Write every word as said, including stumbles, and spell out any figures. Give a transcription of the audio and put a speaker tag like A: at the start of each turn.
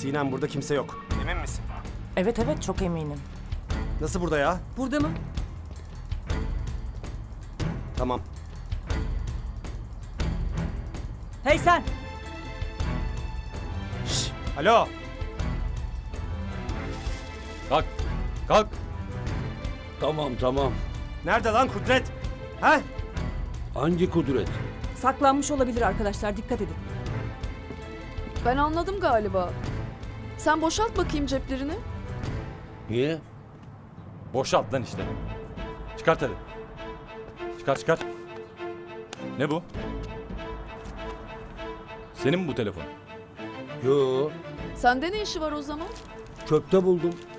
A: Sinem burada kimse yok. Emin misin?
B: Evet evet çok eminim.
A: Nasıl burada ya?
B: Burada mı?
A: Tamam.
B: Hey sen!
A: Şş, alo.
C: Kalk. Kalk.
D: Tamam tamam.
A: Nerede lan Kudret? Ha?
D: Hangi kudret?
B: Saklanmış olabilir arkadaşlar, dikkat edin.
E: Ben anladım galiba. Sen boşalt bakayım ceplerini.
D: Niye?
C: Boşalt lan işte. Çıkart hadi. Çıkar çıkar. Ne bu? Senin mi bu telefon?
D: Yo,
E: Sende ne işi var o zaman?
D: çöpte buldum.